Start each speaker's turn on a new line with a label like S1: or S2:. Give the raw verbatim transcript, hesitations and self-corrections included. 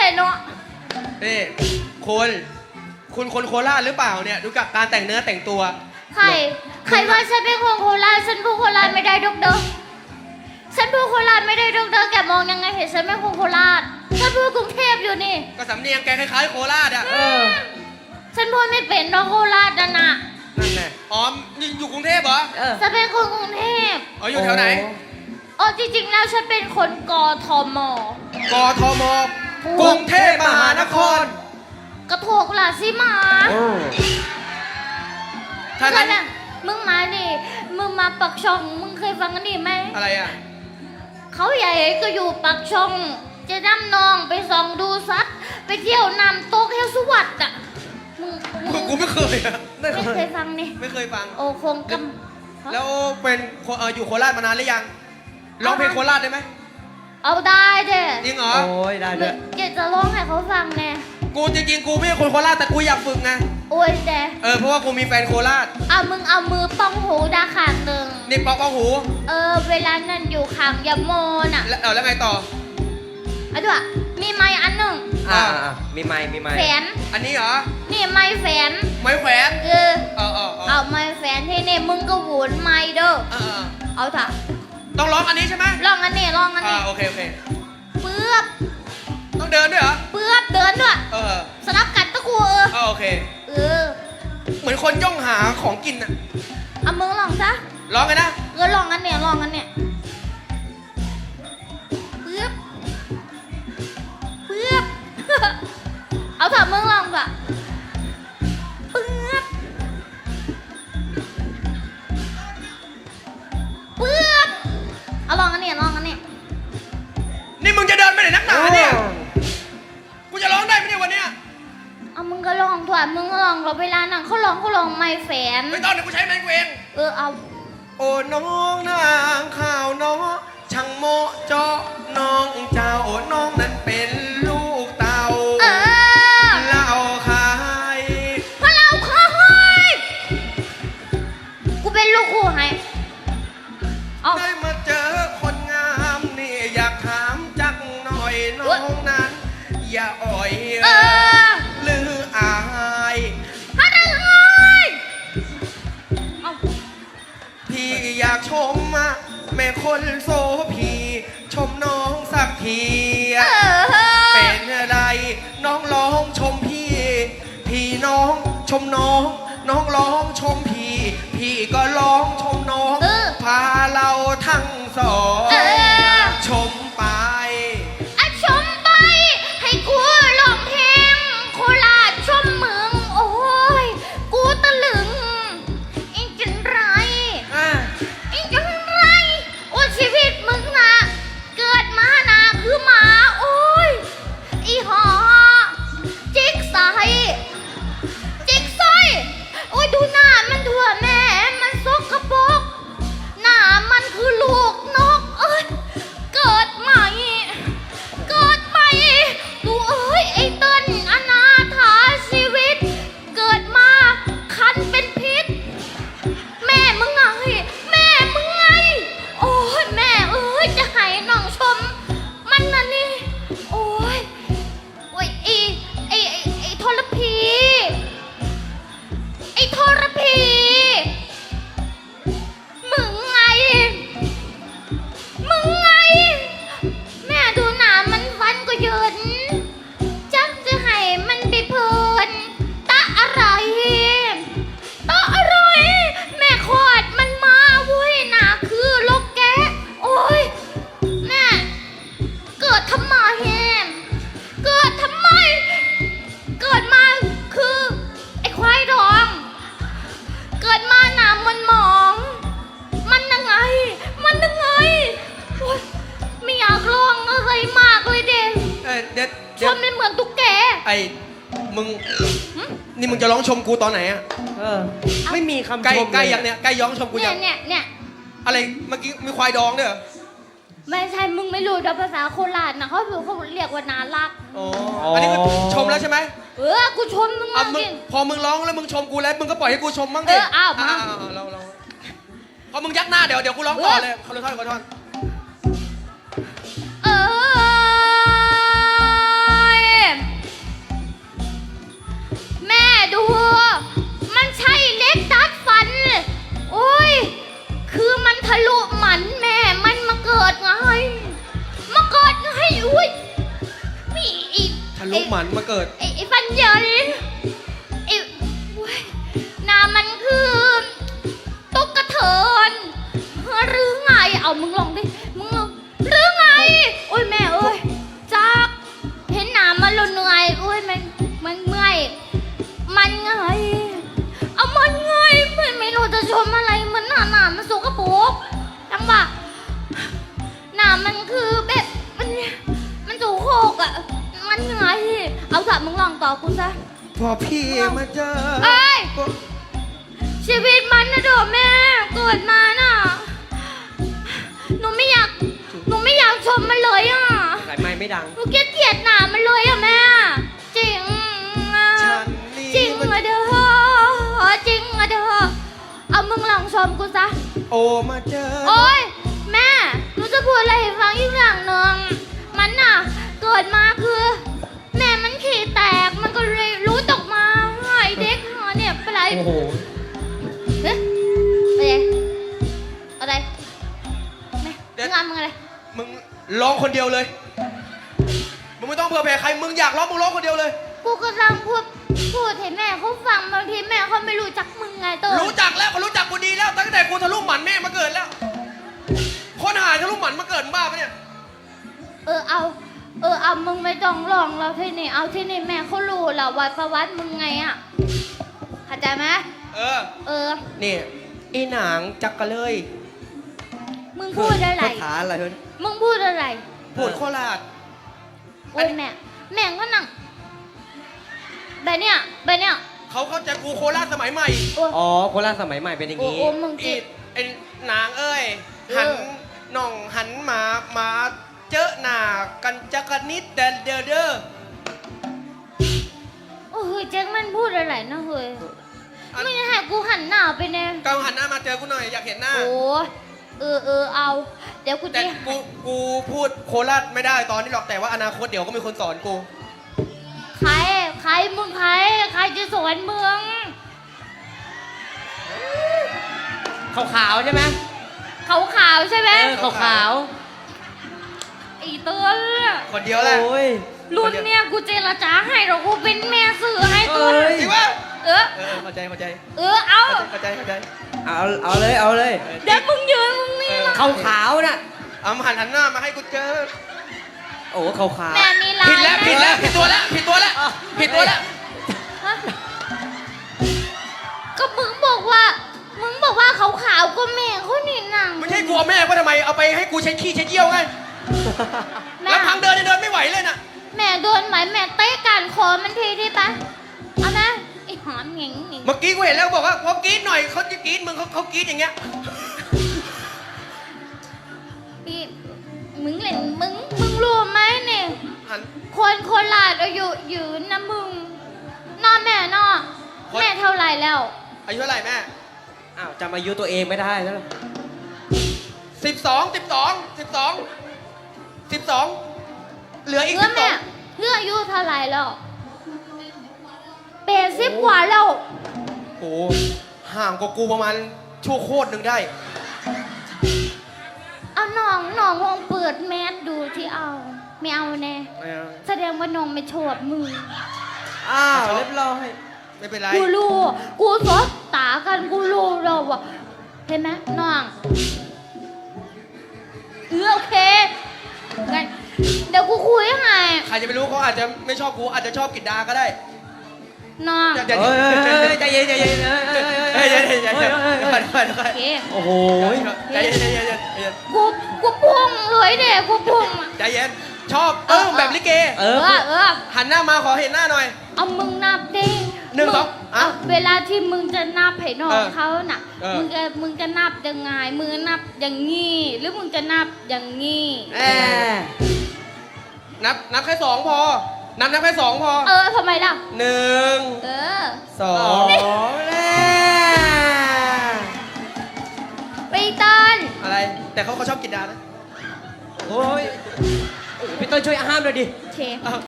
S1: เลยเนาะ
S2: นี่คุณคุณคนโคราชหรือเปล่าเนี่ยดูกับการแต่งเนื้อแต่งตัว
S1: ใครใครว่าฉันเป็นคนโคราชฉันพูดโคราชไม่ได้ดอกเด้อฉันพูดโคราชไม่ได้ดอกเด้อแกมองยังไงเห็นฉันเป็นคนโคราชฉันพูดกรุงเทพอยู่นี่
S2: ก็สำเนียงแกคล้ายๆโคราชอ่ะ
S1: ฉันพูดไม่เป็นดอกโคราชนะนะ
S2: นั่นแหละอ๋ออยู่กรุงเทพเหรอ
S1: ฉันเป็นคนกรุงเทพ
S2: อ๋ออยู่แถวไหน
S1: อ๋อจริงๆแล้วฉันเป็นคนกทม
S2: กทมกรุงเทพมหานคร
S1: กระโถกล่ะสิมาถ้างั้นมึงมาดิมึงมาปักช่องมึงเคยฟังกันดิไหม
S2: อะไรอ่ะ
S1: เขาใหญ่ก็อยู่ปักช่องจะนำน้องไปส่องดูซัดไปเที่ยวนำโต๊ะเฮลสวัสดิ์อ่ะ
S2: มึงกูไม่เคยอ่ะ
S1: ไม่เคยฟังนี่
S2: ไม่เคยฟัง
S1: โอ้คงก
S2: ำแล้วเป็นอยู่โคราชมานานหรือยังร้องเพลงโคราชได้ไหม
S1: เอาได้เด้
S2: จริงเหรอ
S3: โอ้ยได้เด้
S1: อยากจะร้องให้เขาฟังแน่
S2: กูจริงๆกูไม่ใช่คนโคราชแต่กูอยากฝึกไง
S1: โอ้ยเด้
S2: เออเพราะว่ากูมีแฟนโคราช
S1: เอามึงเอามือป้องหูดาขาดหนึ่ง
S2: นี่ป้องป้องหู
S1: เออเวลานั่นอยู่ขังยาโมน่ะ
S2: แล้วเอาแล้วไงต่อ
S1: เอาด้วยมีไม้อันหนึ่ง
S3: อ่ามีไม้มีไม้
S1: แฝน
S2: อันนี้เหรอ
S1: นี่ไม้แฝน
S2: ไม้แขวน
S1: เออ
S2: เออเออ
S1: เอาไม้แฝนที่นี่มึงก็หวุนไม้เด้อ
S2: เออ
S1: เอาเถอะ
S2: ต้องร้องอันนี้ใช่ไหม
S1: ร้องอันนี้ร้องอันนี้
S2: อ่าโอเคโอเค
S1: เปื้อบ
S2: ต้องเดินด้วยเหรอ
S1: เปื้อบเดินด้วย
S2: เออ
S1: สลับกันตะกูเออ
S2: โอเค
S1: เออ
S2: เหมือนคนย่องหาของกินอ่ะ
S1: เอามึงลองซะ
S2: ร้องไงนะ
S1: เออลองอันเนี้ยลองอันเนี้ยเปื้อบเปื้อบเอาเถอะมึงลองก่ะเปื้อบเปื้อบเอาลองอันเนี้ยลองอันเนี้ย
S2: นี่มึงจะเดินไปไหนนักหนาเนี่ยกูจะร้องได้ไหมเนี่ยวันเนี้ย
S1: เอามึงก็ลองถอดมึงก็ลองเราเวลานั่งเขาลองเขาลองไม่แฝน
S2: ไม่ต้องเดี๋ยวกูใช้ไม้เวง
S1: เออเอา
S2: โอ้น้องนางข่าวน้องช่างโมเจาะน้องเจ้าน้องนั้นเป็นลูกเต่า
S1: เออ
S2: เล่าขาย
S1: พอเล่าขายกูเป็นลูกคู่ให้
S2: ได้มาเจอคนงามนี่อยากถามจักหน่อยน้องนั้นอย่าอ่อย
S1: เออ
S2: หรืออาย
S1: ฮะได้ไง
S2: พี่อยากชมมาแม่คนโซพีชมน้องสักทีเป็นอะไรน้องร้องชมพี่พี่น้องชมน้องน้องร้องชมพี่พี่ก็ร้องชมน้องพาเราทั้งสองชมไป
S1: อะชมไปให้กูร้องเพลงโคราชชมเมืองโอ้ยกูตะลึงอีกจังไรอีกจังไรโอ้ชีวิตมึงนะเกิดมานะคือหมาโอ้ยอีหอจิกใสจิกใสโอ้ยดูหน้ามันทั่วแม่มันซกกระปกหน้ามันคือลูกนกเอ้ยเกิดใหม่เกิดใหม่ดูเอ้ยไอ้เติ้ลอนาถาชีวิตเกิดมาคันเป็นพิษแม่มึงไงแม่มึงไงโอ้ยแม่เอ้ยจะให้น้องชมมันน่ะนี่โอ้ยโอ้ยไอ้ไอ้ไอ้ไอ้ทรพีไอ้ทรพีมึงไงมึงไงแม่ดูหนามันฟันก็เยินจักจะให้มันไปเพลินตะอะไรตะอะไรแม่ขอดมันมาเว้ยหนาคือโลกแกโอ้ยแม่เกิดทำไมเกิดทำไมเกิดมาคือไอ้ควายดองเกิดมาหนามันหมองมันยังไงมันยังไงโอ๊ยไม่อยากร้องอะไรมากเลยเด็ก
S2: เด็ด
S1: ชมไม่เหมือนตุ๊กแก
S2: ไอ้มึงนี่มึงจะร้องชมกูตอนไหนอ่ะ
S3: เออไม่มีคำชม
S2: ใกล้ใกล้ยังเนี่ยใกล้ย้องชมกูยัง
S1: เนี่ยเนี่ย
S2: อะไรเมื่อกี้มีควายดองด้วยเหรอ
S1: ไม่ใช่มึงไม่รู้ภาษาโคราชนะเขาเขาเรียกว่านารัก
S2: อ๋ออันนี้คือชมแล้วใช่ไหม
S1: เออกูชมมึงมากจริง
S2: พอมึงร้องแล้วมึงชมกูแล้วมึงก็ปล่อยให้กูชมบ้างดิ
S1: เอออ้าวมา
S2: เราเราพอมึงยักหน้าเดี๋ยวเดี๋ยวกูร้องต่อเลยขอโทษขอโทษ
S1: เออ
S2: ลูกหมันมาเกิด
S1: ไอ้ไอ้ฟันเหยินไอ้โว้ยหนามันคือตุ๊กกระเถินหรือไงเอามึงลองดิมึงลองหรือไงโอ้ยแม่เอ้ยจากเห็นหนามันเราเหนื่อยโอ้ยมันมันเมื่อยมันไงเอามันไงไม่ไม่รู้จะชมอะไรมันหนาหนามันสกปรกจังหวะหนามันคือแบบมันมันสูโคกอะมันไงเอาเถอะมึงลองต่อกูซะ
S2: พอพี่มาเจอ
S1: เอ้ย ชีวิตมันนะเด้อแม่เกิดมาน่ะหนูไม่อยากหนูไม่อยากชมมันเลยอ่ะ
S3: สายไม้ไม่ดัง
S1: หนูเกลียดเกลียดหนามันเลยอ่ะแม่จริงอะ
S2: ฉันนี่
S1: จริง
S2: มัน
S1: อะเด้อจริงอะเด้อเอามึงลองชมกูซะ
S2: โอมาเจอ
S1: โอ๊ยแม่หนูจะพูดอะไรให้ฟังอีกอย่างหนึ่งมันน่ะเกิดมาคือ แม่มันขี้แตกมันก็เลยรู้ตกมาไอ้เด็กหาเนี่ยเป็นไร
S3: โอ้โห
S1: เฮ้ยอะไรอะไรแม่
S2: เดี๋ยว
S1: งานมึงอะไร
S2: มึงร้องคนเดียวเลย มึงไม่ต้องเผื่อแผ่ใคร มึงอยากร้องมึงร้องคนเดียวเลย
S1: กูกำลังพูดพูดให้แม่เขาฟังบางทีแม่เขาไม่รู้จักมึงไงตัว
S2: รู้จักแล้วเขารู้จักกูดีแล้ว ตั้งแต่กูทะลุหมันแม่มาเกิดแล้ว คนหายทะลุหมันมาเกิดมึงบ้าปะเนี่ย
S1: เออเอาเออเอามึงไม่ต้องร้องเราที่นี่เอาที่นี่แม่เขารู้แล้วว่าประวัติมึงไงอ่ะเข้าใจไหม
S2: เออ
S1: เออ
S3: นี่อีหนางจักกะเลย
S1: มึงพูดอะไร
S3: ภาษาอะไรเฮ้ย
S1: มึงพูดอะไร
S2: พูดโคราช
S1: โอ้ยแม่แม่ก็นั่งแบบเนี้ยแบบเนี้ย
S2: เขาเข้าใจกูโคราชสมัยใหม่
S1: โอ้
S3: อ๋อโคราชสมัยใหม่เป็นอย่าง
S1: โอ้
S3: นี้
S1: โอ้มึง
S2: อี
S1: จิ
S2: ไอ้นางเอ้ย หันน่องหันมามาเจอหน้ากันจักรนิดเดนเดอเดอ
S1: โอ้ยแจ็คมันพูดอะไรนะเฮ้ย
S2: อัน
S1: ไม่ให้กูหันหน้าไปแน่
S2: กังหันหน้ามาเจอกูหน่อยอยากเห็นหน้า
S1: โอ้เออเออเอา เดี๋ยวกู
S2: แต่
S1: จะ
S2: กูกูพูดโคราชไม่ได้ตอนนี้หรอกแต่ว่าอนาคตเดี๋ยวก็มีคนสอนกู
S1: ใครใครมึงใครใครจะสอนมึง
S3: ขาวๆใช่ไหม
S1: ขาวขาวๆใช่ไหม
S3: เออขาว
S1: ไอีเตือน
S2: คนเดียว
S3: ๆ
S2: แหละ
S3: โอ้ย
S1: รุ่นเนี่ยกูเจรจาให้หรอกกูเป็นแม่สื่อให้ตัว
S3: เอ้ย
S2: จริงปะ
S1: เออ
S2: เออเข้าใจเข้าใจ
S1: เออเอา
S2: เข้าใจเข้าใจ
S3: เอาเอาเลยเอาเลย
S1: เดี๋ยวมึงยืนมึงนี่ละ
S3: ขาวๆน่ะ
S2: เอามาหันหันหน้ามาให้กูเจอ
S3: โอ้ขาวๆ
S1: แม่มีลาย
S2: ผิดแล้ว
S1: นะ
S2: ผิดแล้วผิดตัวแล้วผิดตัวแล้วผิดตัวแล้ว
S1: ฮะก็มึงบอกว่า มึงบอกว่าขาวขาวๆก็แม่เขานี่นัง
S2: ไม่ใช่กูเอาแม่ก็ทำไมเอาไปให้กูเช็ดขี้เช็ดเยี่ยวไง
S1: แม่
S2: แล้วพังเดินเนี่ยเดินไม่ไหวเลยน่ะ
S1: แม่โดนไหมแม่เตะการคอมันทีที่ปะเอานะไอ้หอมเหง่งเหง่ง
S2: เมื่อกี้กูเห็นแล้วบอกว่าพอกรี๊ดหน่อยเขาจะกรี๊ดมึงเขาเขากรี๊ดอย่างเงี้ย
S1: พี่มึงเล่นมึงมึงรู้ไหมเนี่ย
S2: หัน
S1: คนโคราชอายุยืนนะมึงนอแม่นอ
S2: คน
S1: แม่เท่าไหรแล้ว
S2: อายุเท่าไหร่แม่
S3: อ้าวจำอายุตัวเองไม่ได้แล้วเหรอ
S2: สิบสองสิบสองสิบสองสิบสองเหลืออีก
S1: เพื่
S2: สิ
S1: อบ
S2: สอ
S1: แม่
S2: ง
S1: เพื่ออายุเท่าไหรแล้วแปดสิบกว่าแล้ว
S2: โอ้ห่างกว่ากูประมาณชั่วโคตรหนึ่งได้
S1: เอาน้องน้องลองเปิดแมสดูที่เอา ไม่เอาแน่
S2: ไม่เอา
S1: แสดงว่าน้องไม่ชอบมึง
S3: อ้าวเรียบร้อย
S2: ไม่เป็นไร
S1: กูรู้ กูสดตากันกูรู้เราอะเห็นไหมน้องเออโอเคงั้นเดี๋ยวกูคุยให้
S2: ใครจะไปรู้เขาอาจจะไม่ชอบกูอาจจะชอบกิดดาก็ได้
S1: น้อง
S2: อย่าอย่า
S3: เฮ้ยเฮ้ยเฮ้ยใจเย็นใจเย็นเฮ้ยเฮ้ย
S2: เฮ้ยเดี๋ยวเดี๋ยวเดี๋ยวเดี๋ยว
S3: เฮ้ย
S2: เดี๋ยวเดี๋ยวเดี๋ยว
S1: โอเค
S3: โอ้โห
S2: ใจเย็นใจเย็นใจเย็นใจเย็น
S1: กูกูพุ่งเลยเด็กกูพุ่งอะ
S2: ใจเย็นชอบเออแบบลิเก
S3: เอ
S1: เอ
S3: อ
S1: อเออ
S2: หันหน้ามาขอเห็นหน้าหน่อย
S1: เอามึงนับดิ
S2: หนึ่ง
S1: มึ
S2: สองอ่ะ
S1: เอาเวลาที่มึงจะนับให้น้อ
S2: เอง อ
S1: เขาน่ะ
S2: เออ
S1: มึงจะมึงจะนับยังไงมือนับอย่างงี้หรือมึงจะนับอย่างงี้
S3: แหม
S2: นับนับแค่สองพอ นับนับแค่สองพอ
S1: เออทำไมล่ะ
S2: หนึ่ง
S1: เออ
S2: สอ
S3: สอง งแล้ว
S1: ไปตัน
S2: อะไร แต่เขาเขาชอบกินดานะ
S3: โอ้ยพี่ต้นช่วยห้ามหน่อยดิ
S1: เช
S2: อ้าว